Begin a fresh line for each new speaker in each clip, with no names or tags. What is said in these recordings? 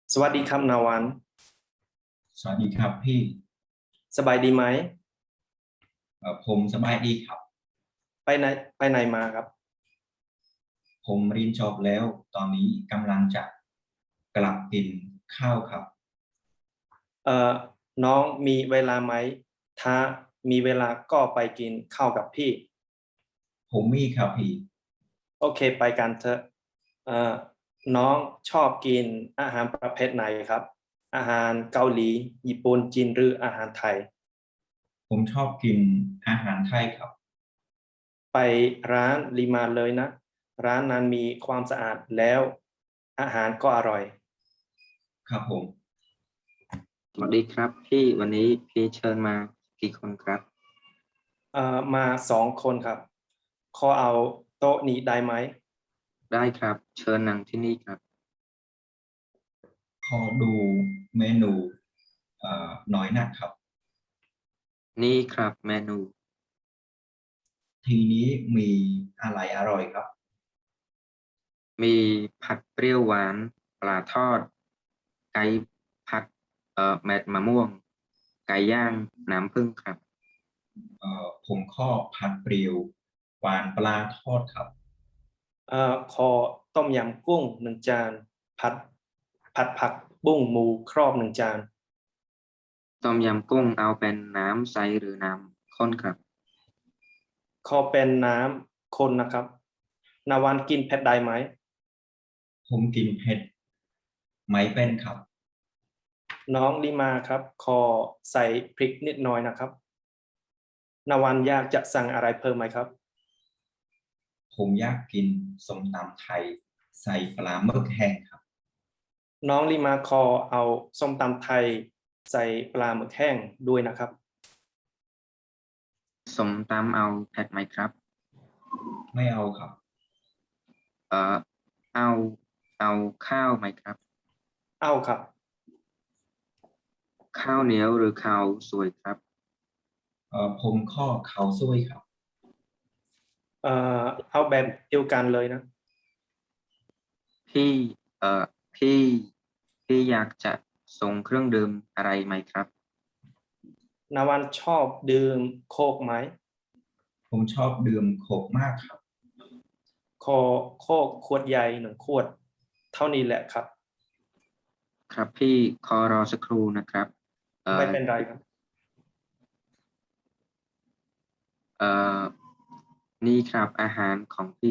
สวัสดีครับนาวัน
สวัสดีครับพี่
สบายดีไหม
ผมสบายดีครับ
ไปไหนมาครับ
ผมเรียนจบแล้วตอนนี้กำลังจะกลับกินข้าวครับ
เอ่อน้องมีเวลาไหมถ้ามีเวลาก็ไปกินข้าวกับพี่
ผมมีครับพี่
โอเคไปกันเถอะเอ่อน้องชอบกินอาหารประเภทไหนครับอาหารเกาหลีญี่ปุ่นจีนหรืออาหารไทย
ผมชอบกินอาหารไทยครับ
ไปร้านริมาเลยนะร้านนั้นมีความสะอาดแล้วอาหารก็อร่อย
ครับผม
สวัสดีครับพี่วันนี้พี่เชิญมากี่คนครับ
มา2 คนครับขอเอาโต๊ะนี้ได้ไหม
ได้ครับเชิญนั่งที่นี่ครับ
ขอดูเมนูน้อยนะครับ
นี่ครับเมนู
ทีนี้มีอะไรอร่อยครับ
มีผัดเปรี้ยวหวานปลาทอดไก่ผัดเม็ดมะม่วงไก่ย่างน้ำผึ้งครับ
ผมขอผัดเปรียวหวานปลาทอดครับ
ขอต้มยำกุ้ง1 จานผัดผักบุ้งหมูครอบ1 จาน
ต้มยำกุ้งเอาเป็นน้ำใสหรือน้ำข้นครับ
ขอเป็นน้ำข้นนะครับนาวันกินเผ็ดได้ไหม
ผมกินเผ็ดไม่เป็นครับ
น้องลิมาครับขอใส่พริกนิดหน่อยนะครับนาวันอยากจะสั่งอะไรเพิ่มไหมครับ
ผมอยากกินส้มตำไทยใส่ปลาหมึกแห้งครับ
น้องลิมาขอเอาส้มตำไทยใส่ปลาหมึกแห้งด้วยนะครับ
ส้มตำเอาเผ็ดไหมครับ
ไม่เอาครับ
เอ่อเอาเอาข้าวไหมครับ
เอาครับ
ข้าวเหนียวหรือข้าวสวยครับ
ผมข้อเขาวซุยครับ
เอาแบบเดียวกันเลยนะ
พี่เอ่อพี่พี่อยากจะส่งเครื่องดื่มอะไรไหมครับ
นาวันชอบดื่มโค้กไหม
ผมชอบดื่มโค้กมากครับ
ขอโค้กขวดใหญ่1 ขวดเท่านี้แหละครับ
ครับพี่ขอรอสักครู่นะครับเอ่
ไม่
อ
เป็นไรครับ
เอ่อนี่ครับอาหารของพี่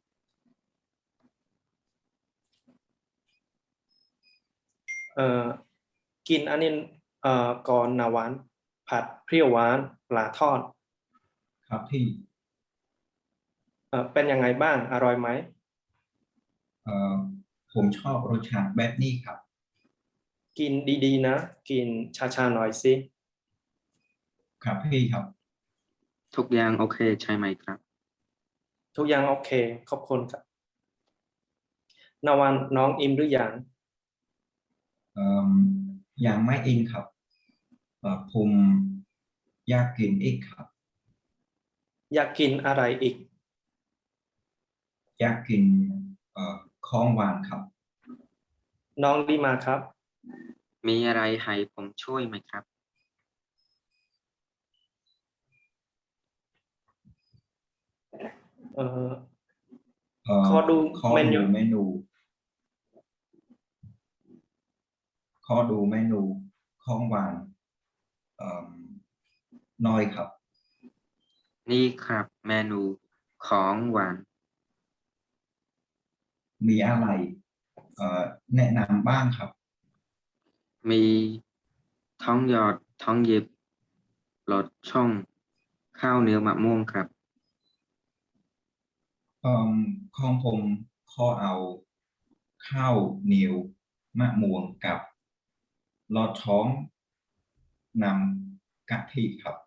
เอ่อกินอันนี้ก่อนนาวันผัดเปรี้ยวหวานปลาทอด
ครับพี่
เป็นยังไงบ้างอร่อยไหม
เอ่อผมชอบรสชาติแบบนี้ครับ
กินดีๆนะกินช้าๆหน่อยสิ
ครับพี่ครับ
ทุกอย่างโอเคใช่ไหมครับ
ทุกอย่างโอเคขอบคุณครับนาวันน้องอิ่มหรือยัง
เอ่อยังไม่อินครับผมอยากกินอีกครับ
อยากกินอะไรอีก
อยากกินของหวานครับ
น้องดีมาครับ
มีอะไรให้ผมช่วยไหมครับ
เอ่อ
เอ่อ
ขอดู
ขอ
เมนู
ดูเมนูขอดูเมนูของหวานเอ่อน้อยครับ
นี่ครับเมนูของหวาน
มีอะไรแนะนำบ้างครับ
มีท้องหยอดท้องหยิบหลอดช่องข้าวเหนียวมะม่วงครับ
ของผมข้อเอาข้าวเหนียวมะม่วงกับลอดท้องนำกะทิครับ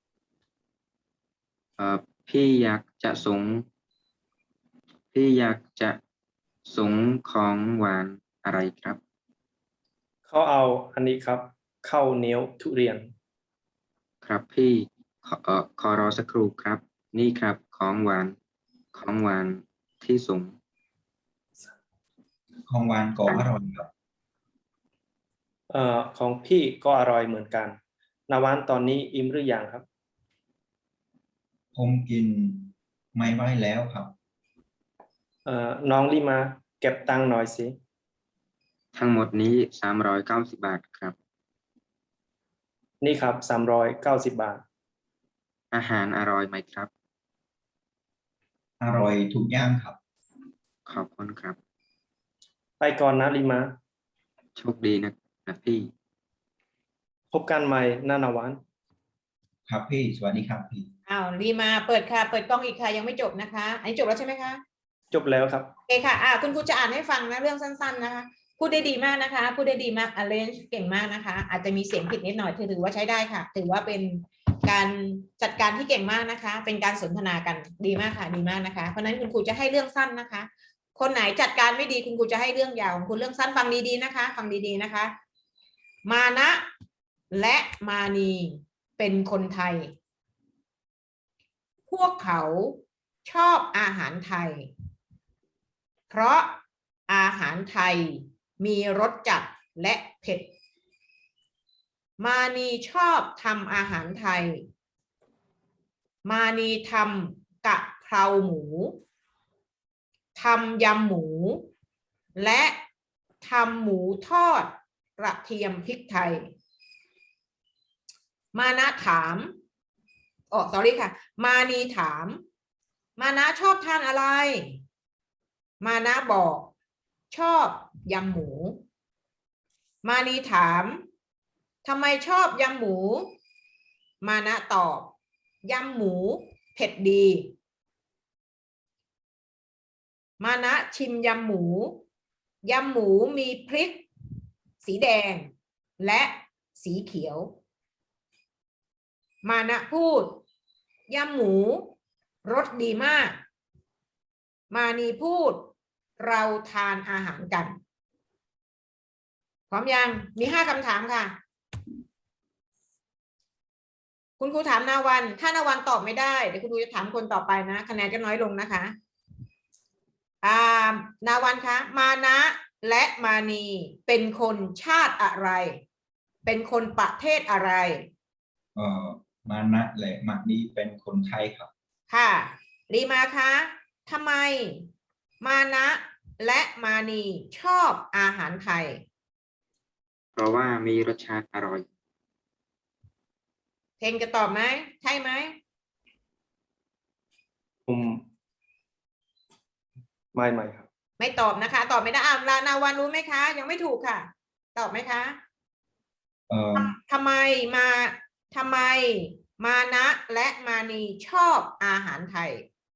เอ่อพี่อยากจะสงพี่อยากจะสงของหวานอะไรครับ
เขาเอาอันนี้ครับข้าวเหนียวทุเรียน
ครับพี่ขอรอสักครู่ครับนี่ครับของหวานที่สูง
ของหวานก็อร่อยครับ
ของพี่ก็อร่อยเหมือนกันนาวันตอนนี้อิ่มหรือยังครับ
ผมกินไม่ไหวแล้วครับ
น้องลิมาเก็บตังค์หน่อยสิ
ทั้งหมดนี้390 บาทครับ
นี่ครับ390 บาท
อาหารอร่อยไหมครับ
อร่อยทุกอย่างครับ
ขอบคุณครับ
ไปก่อนนะลิมา
โชคดีนะพี่
พบกันใหม่นาวัน
ครับพี่สวัสดีครับพี่
อ้าวรีมาเปิดค่ะ เปิดกล้องอีกค่ะยังไม่จบนะคะ อันนี้จบแล้วใช่ไหมคะ
จบแล้วครับ
โอเคค่ะคุณครูจะอ่านให้ฟังนะเรื่องสั้นๆนะคะพูดได้ดีมากนะคะพูดได้ดีมาก arrange เก่งมากนะคะ อาจจะมีเสียงผิดนิดหน่อยถือว่าใช้ได้ค่ะ ถือว่าเป็นการจัดการที่เก่งมากนะคะ เป็นการสนทนากันดีมากค่ะดีมากนะคะเพราะฉะนั้นคุณครูจะให้เรื่องสั้นนะคะ คนไหนจัดการไม่ดีคุณครูจะให้เรื่องยาวคุณเรื่องสั้นฟังดีๆนะคะ ฟังดีๆนะคะ มานะและมานีเป็นคนไทย พวกเขาชอบอาหารไทยเพราะอาหารไทยมีรสจัดและเผ็ดมานีชอบทำอาหารไทยมานีทำกะเพราหมูทำยำหมูและทำหมูทอดกระเทียมพริกไทยมานะถามsorry ค่ะมานีถามมานะชอบทานอะไรมานะบอกชอบยำหมูมานีถามทำไมชอบยำหมูมานะตอบยำหมูเผ็ดดีมานะชิมยำหมูยำหมูมีพริกสีแดงและสีเขียวมานะพูดยำหมูรสดีมากมานีพูดเราทานอาหารกันพร้อมยังมี5 คำถามค่ะคุณครูถามนาวันถ้านาวันตอบไม่ได้เดี๋ยวคุณครูจะถามคนต่อไปนะคะแนนจะน้อยลงนะคะนาวันคะมานะและมานีเป็นคนชาติอะไรเป็นคนประเทศอะไร
มานะและมานีเป็นคนไทยครับ
ค่ะรีมาคะทำไมมานะและมานีชอบอาหารไทย
เพราะว่ามีรสชาติอร่อย
เพลงจะตอบไหมใช่ไหม
ไม่ครับ
ไม่ตอบนะคะตอบไม่ได้นาวันรู้ไหมคะยังไม่ถูกค่ะตอบไหมคะทำไมมานะและมานีชอบอาหารไทย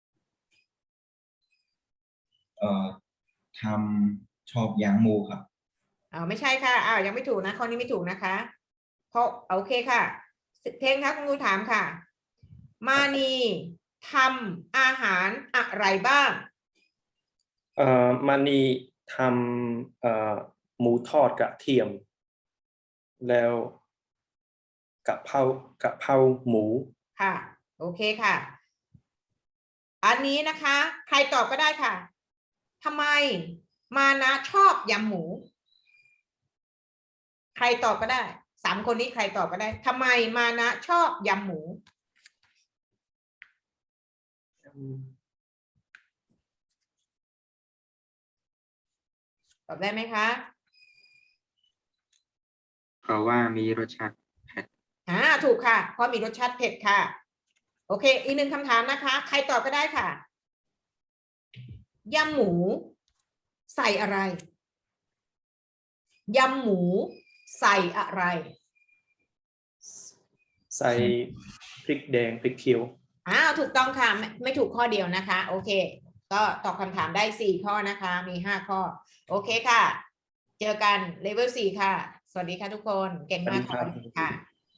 ชอบยางหมูครับ
ไม่ใช่ค่ะยังไม่ถูกนะข้อนี้ไม่ถูกนะคะเพราะโอเคค่ะเพลงคะคุณครูถามค่ะมานีทำอาหารอะไรบ้าง
มานีทำหมูทอดกระเทียมแล้วกะเพราหมู
ค่ะโอเคค่ะอันนี้นะคะใครตอบก็ได้ค่ะทำไมมานะชอบยำหมูใครตอบก็ได้3 คนนี้ใครตอบก็ได้ทำไมมานะชอบยำหมูตอบได้ไหมคะ
เพราะว่ามีรสชาติเผ็ด
ถูกค่ะเพราะมีรสชาติเผ็ดค่ะโอเคอีก1 คำถามนะคะใครตอบก็ได้ค่ะยำหมูใส่อะไรยำหมูใส่อะไร
ใส่พริกแดงพริกเขียว
ถูกต้องค่ะไม่ถูกข้อเดียวนะคะโอเคก็ตอบคำถามได้4 ข้อนะคะมี5 ข้อโอเคค่ะเจอกันเลเวล4ค่ะสวัสดีค่ะทุกคนเก่งมากค่ะ